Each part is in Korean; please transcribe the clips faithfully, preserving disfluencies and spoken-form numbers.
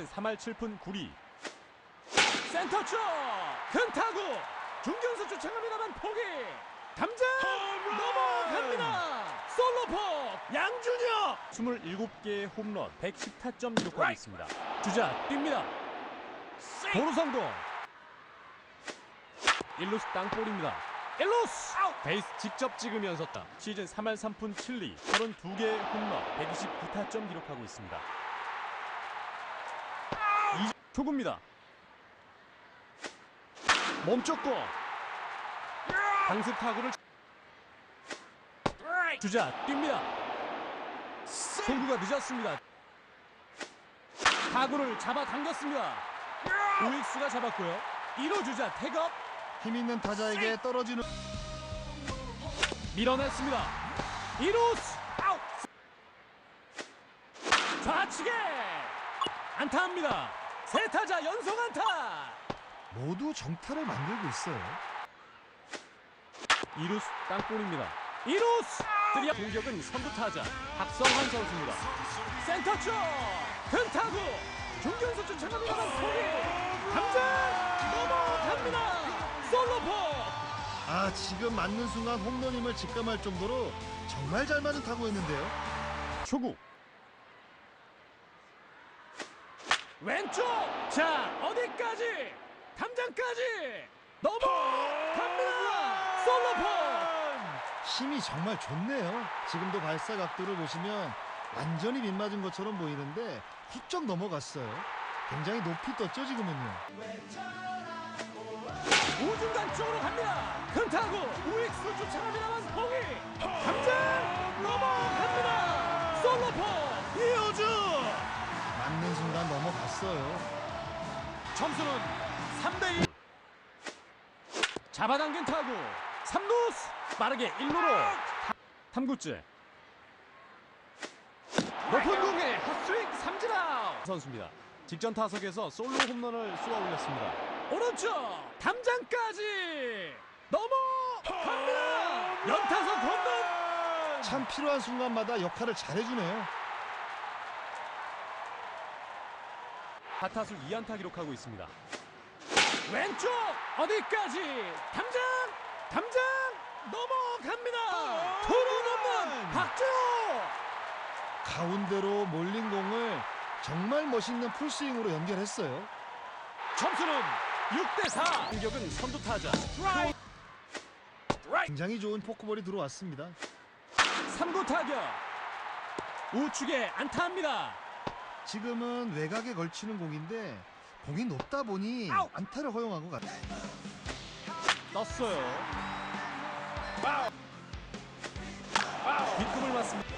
시즌 삼 할 칠 푼 구 리. 센터 쪽 큰 타구 중견수 쫓아갑니다만 포기. 담장 넘어갑니다. 솔로포 양준혁 이십칠 개의 홈런 백십 타점 기록하고 있습니다. 주자 뜁니다. 도루 성공. 일루수 땅볼입니다. 일루수 베이스 직접 찍으면서 땅. 시즌 삼 할 삼 푼 칠 리 삼십이 개의 홈런 백이십구 타점 기록하고 있습니다. 이 초구입니다. 멈췄고 강습 타구를 주자 뜁니다. 송구가 늦었습니다. 타구를 잡아당겼습니다. 우익수가 잡았고요. 일 루 주자 태업 힘있는 타자에게 떨어지는 밀어냈습니다. 이 루수 아웃. 좌측에 안타합니다. 세 타자 연속 안타. 모두 정타를 만들고 있어요. 이 루수 땅볼입니다. 이 루수 드리아 공격은 선두 타자 박성환 선수입니다. 센터 쪽 큰 타구 중견수 쫓아갑니다만 포기. 담장 넘어갑니다. 솔로포. 아, 지금 맞는 순간 홈런임을 직감할 정도로 정말 잘 맞은 타구였는데요. 초구 왼쪽. 자 어디까지 담장까지 넘어갑니다. 솔로폰. 힘이 정말 좋네요. 지금도 발사 각도를 보시면 완전히 빗맞은 것처럼 보이는데 훌쩍 넘어갔어요. 굉장히 높이 떴죠 지금은요. 우중간 쪽으로 갑니다. 큰 타구 우익수 쫓아갑니다만 포기. 담장 넘어갑니다. 솔로폰 이호주. 맞는 순간 넘어갔어요. 점수는 삼 대 이. 잡아당긴 타구 삼 루수 빠르게 일 루로 삼 구째 높은 공에 핫스윙 삼진 아웃. 선수입니다. 직전 타석에서 솔로 홈런을 쏘아 올렸습니다. 오른쪽 담장까지 넘어갑니다. 연타석 홈런. 참 필요한 순간마다 역할을 잘해주네요. 타타수 이 안타 기록하고 있습니다. 왼쪽 어디까지 담장 담장 넘어갑니다. 투런 홈런 박준호. 가운데로 몰린 공을 정말 멋있는 풀스윙으로 연결했어요. 점수는 육 대 사. 공격은 선두 타자 굉장히 좋은 포크볼이 들어왔습니다. 삼 구 타격 우측에 안타합니다. 지금은 외곽에 걸치는 공인데 공이 높다 보니 아웃! 안타를 허용한 것 같아요. 떴어요. 뒷꿈을 맞습니다.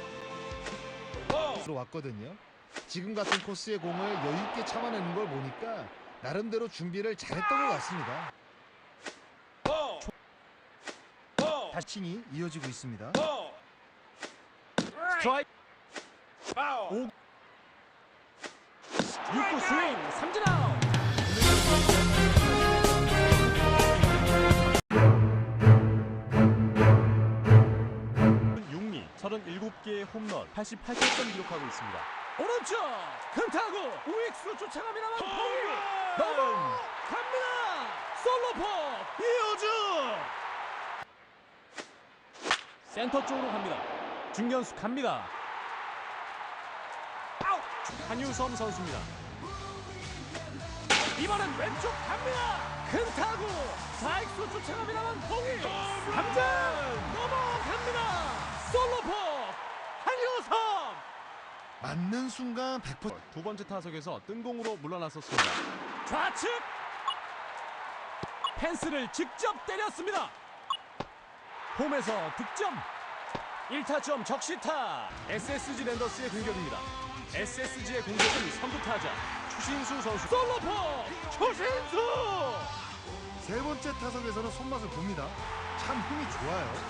들어왔거든요. 지금 같은 코스의 공을 여유있게 참아내는 걸 보니까 나름대로 준비를 잘했던 것 같습니다. 다칭이 이어지고 있습니다. 스트라이크 오 육 구 스윙 삼진 아웃. 육 리 서른일곱 개의 홈런 팔십팔 타점 기록하고 있습니다. 오른쪽 큰 타구 우익수로 쫓아갑니다만 포기. 넘어갑니다. 솔로포 이호주. 센터 쪽으로 갑니다. 중견수 갑니다. 아웃. 한유섬 선수입니다. 이번엔 왼쪽 갑니다. 큰 타구 사익수 쫓아갑니다만 포기. 담장 넘어갑니다. 솔로포 한유섬. 맞는 순간 백 퍼센트 두 번째 타석에서 뜬공으로 물러났었습니다. 좌측 펜스를 직접 때렸습니다. 홈에서 득점. 일 타점 적시타. 에스에스지 랜더스의 공격입니다. 에스에스지의 공격은 선두 타자 추신수 선수. 솔로포 추신수. 세 번째 타석에서는 손맛을 봅니다. 참 힘이 좋아요.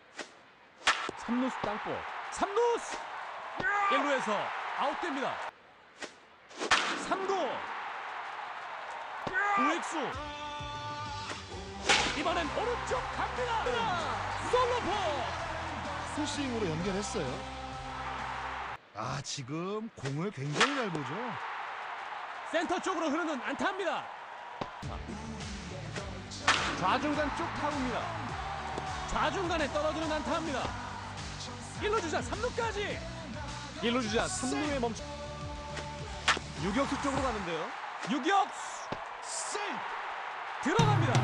삼 루수 땅볼 삼 루수 일 루에서 아웃됩니다. 삼 구 우익수 이번엔 오른쪽 갑니다. 솔로포 풀스윙으로 연결했어요. 아, 지금 공을 굉장히 잘 보죠. 센터 쪽으로 흐르는 안타입니다. 좌중간 쪽 타구입니다. 좌중간에 떨어지는 안타입니다. 일 루 주자 삼 루까지. 일 루 주자 삼 루에 멈춰 유격수 쪽으로 가는데요. 유격수 들어갑니다.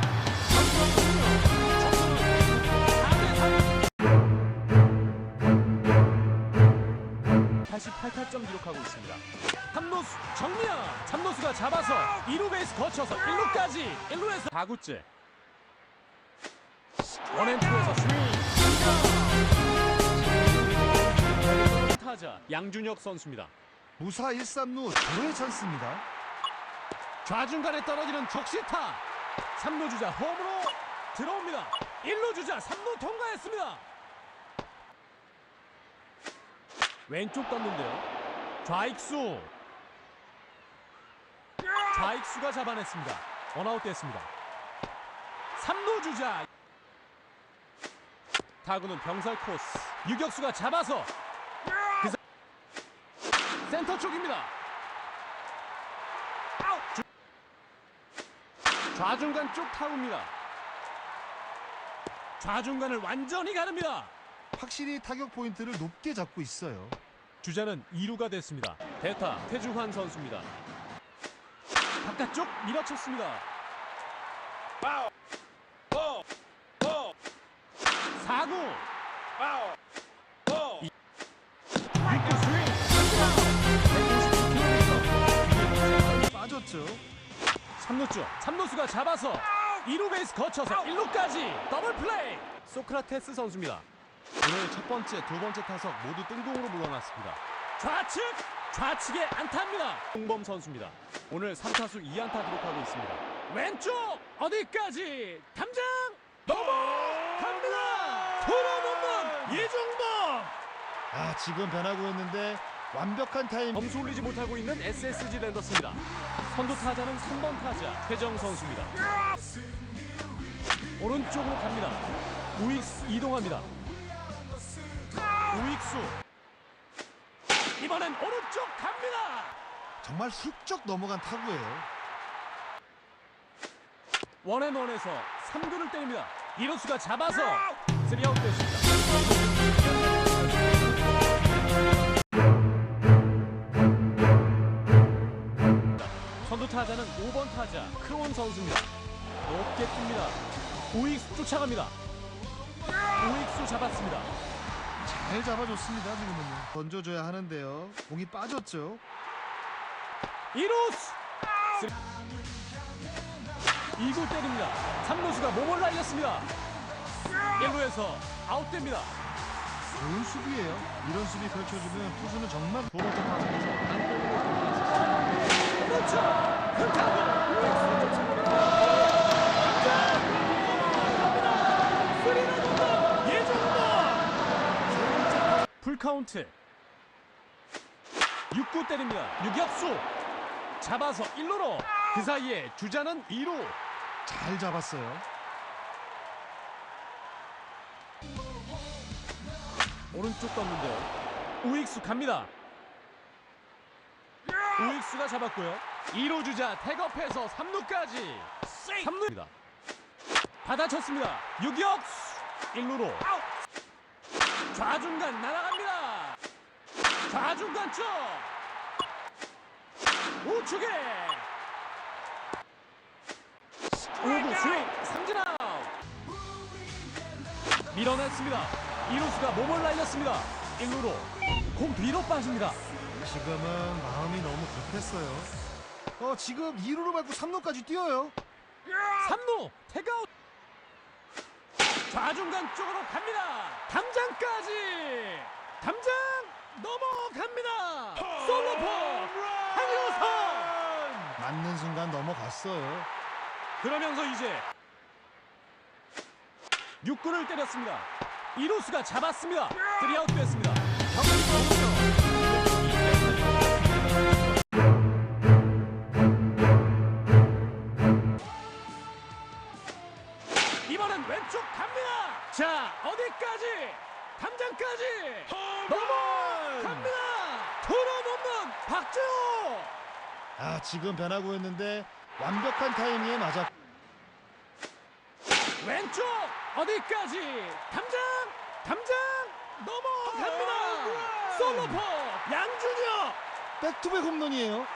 팔십팔 타점 기록하고 있습니다. 삼 루수 정면, 삼 루수가 잡아서 이 루 베이스 거쳐서 일 루까지. 일 루에서 사 구째 원앤투에서 스윙 타자 양준혁 선수입니다. 무사 일, 삼 루 절호의 찬스입니다. 좌중간에 떨어지는 적시타. 삼 루 주자 홈으로 들어옵니다. 일 루 주자 삼 루 통과했습니다. 왼쪽 떴는데요. 좌익수 좌익수가 잡아냈습니다. 원아웃 됐습니다. 삼 루 주자 타구는 병살 코스. 유격수가 잡아서 그 사... 센터 쪽입니다. 주... 좌중간 쪽 타구입니다. 좌중간을 완전히 가릅니다. 확실히 타격 포인트를 높게 잡고 있어요. 주자는 이 루가 됐습니다. 대타 태주환 선수입니다. 바깥쪽 밀어쳤습니다. 사 구 육구 스윙 빠졌죠. 삼 루쪽 삼 루수가 잡아서 이 루 베이스 거쳐서 일 루까지 더블 플레이. 소크라테스 선수입니다. 오늘 첫 번째, 두 번째 타석 모두 뜬공으로 물러났습니다. 좌측 좌측에 안타입니다. 홍범 선수입니다. 오늘 삼 타수 이 안타 기록하고 있습니다. 왼쪽 어디까지 담장 넘어갑니다. 돌아놓는 이중범. 아, 지금 변하고 있는데 완벽한 타임. 점수 올리지 못하고 있는 에스에스지 랜더스입니다. 선두 타자는 삼 번 타자 최정 선수입니다. 오른쪽으로 갑니다. 우익수 이동합니다. 우익수 이번엔 오른쪽 갑니다. 정말 훌쩍 넘어간 타구예요. 원앤원에서 삼 구를 때립니다. 이루수가 잡아서 쓰리 아웃 됐습니다. 선두 타자는 오 번 타자 크론 선수입니다. 높게 뜹니다. 우익수 쫓아갑니다. 우익수 잡았습니다. 잘 잡아줬습니다. 지금은요. 던져줘야 하는데요. 공이 빠졌죠. 이루수 이 구 때립니다. 삼 루수가 몸을 날렸습니다. 일 루에서 아웃됩니다. 좋은 수비예요. 이런 수비 펼쳐주면 투수는 정말. 두 번째 타석에서 안쪽으로 들어갔습니다. 그렇죠. 큰 타구 우익수 쫓아갑니다. 풀카운트 육 구 때립니다. 유격수 잡아서 일 루로. 그 사이에 주자는 이 루. 잘 잡았어요. 오른쪽 떴는데요. 우익수 갑니다. 우익수가 잡았고요. 이 루 주자 태업해서 삼 루까지. 삼 루입니다. 받아쳤습니다. 유격수 일 루로. 좌중간 날아갑니다. 좌중간 쪽 우측에 오 구 스윙 삼진 아웃. 밀어냈습니다. 이루수가 몸을 날렸습니다. 일 루로 공 뒤로 빠집니다. 지금은 마음이 너무 급했어요. 어, 지금 이 루로 밟고 삼 루까지 뛰어요. 삼 루 태그아웃. 좌중간 쪽으로 갑니다. 담장까지. 담장 넘어갑니다. 솔로포 한효선. 맞는 순간 넘어갔어요. 그러면서 이제 육 구를 때렸습니다. 이루수가 잡았습니다. 쓰리 아웃 됐습니다. 이번엔 왼쪽 갑니다. 자, 어디까지? 담장까지 넘어갑니다. 돌아넘는 박재호. 아, 지금 변하고 있는데 완벽한 타이밍에 맞아. 왼쪽 어디까지 담장 담장 넘어갑니다. 솔로포 양준혁. 백투백 홈런이에요.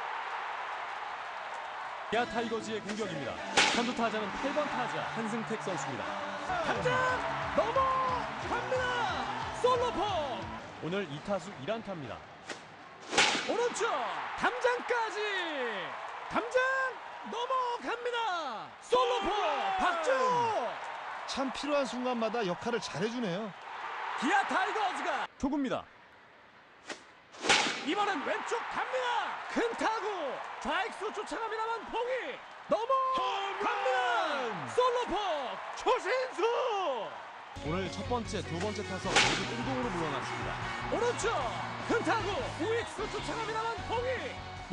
기아 타이거즈의 공격입니다. 선두 타자는 팔 번 타자 한승택 선수입니다. 담장 넘어갑니다. 솔로포. 오늘 이 타수 일 안타입니다. 오른쪽 담장까지 담장 넘어갑니다. 솔로포 박주. 참 필요한 순간마다 역할을 잘해주네요. 기아 타이거즈가 초구입니다. 이번엔 왼쪽 갑니다. 큰 타구 좌익수 쫓아갑니다만 포기 넘어갑니다. 솔로포 초신수. 오늘 첫 번째, 두 번째 타석 모두 꽁공으로 물러났습니다. 오른쪽 큰 타구 우익수 쫓아갑니다만 포기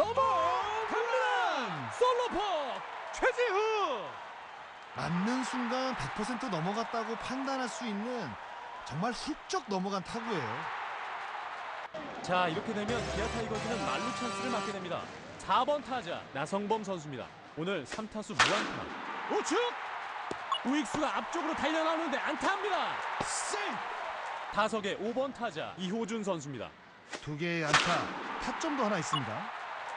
넘어갑니다. 솔로포 최지후. 맞는 순간 백 퍼센트 넘어갔다고 판단할 수 있는 정말 훌쩍 넘어간 타구예요. 자, 이렇게 되면 기아 타이거즈는 만루 찬스를 맞게 됩니다. 사 번 타자 나성범 선수입니다. 오늘 삼 타수 무안타. 우측 우익수가 앞쪽으로 달려나오는데 안타합니다. 타석의 오 번 타자 이호준 선수입니다. 두 개의 안타, 타점도 하나 있습니다.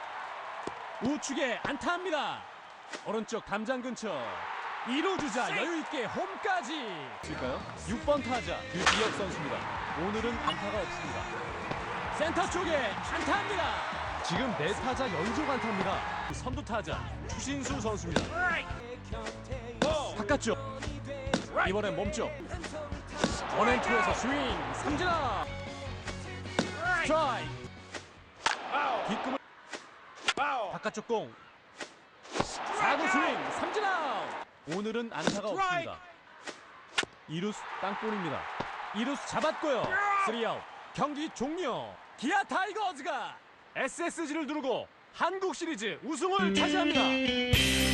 우측에 안타합니다. 오른쪽 담장 근처 이 루 주자 여유있게 홈까지. 칠까요? 육 번 타자 유지혁 선수입니다. 오늘은 안타가 없습니다. 센터 쪽에 안타합니다. 지금 네 타자 연속 안타입니다. 선두 타자 추신수 선수입니다. 바깥쪽 이번엔 몸쪽 원앤투에서 스윙 삼진 아웃. 스트라이크. 뒷금을 바깥쪽 공 사 구 스윙 삼진 아웃. 오늘은 안타가 없습니다. 이루수 땅볼입니다. 이루수 잡았고요. 쓰리 아웃. 경기 종료. 기아 타이거즈가 에스에스지를 두르고 한국 시리즈 우승을 차지합니다.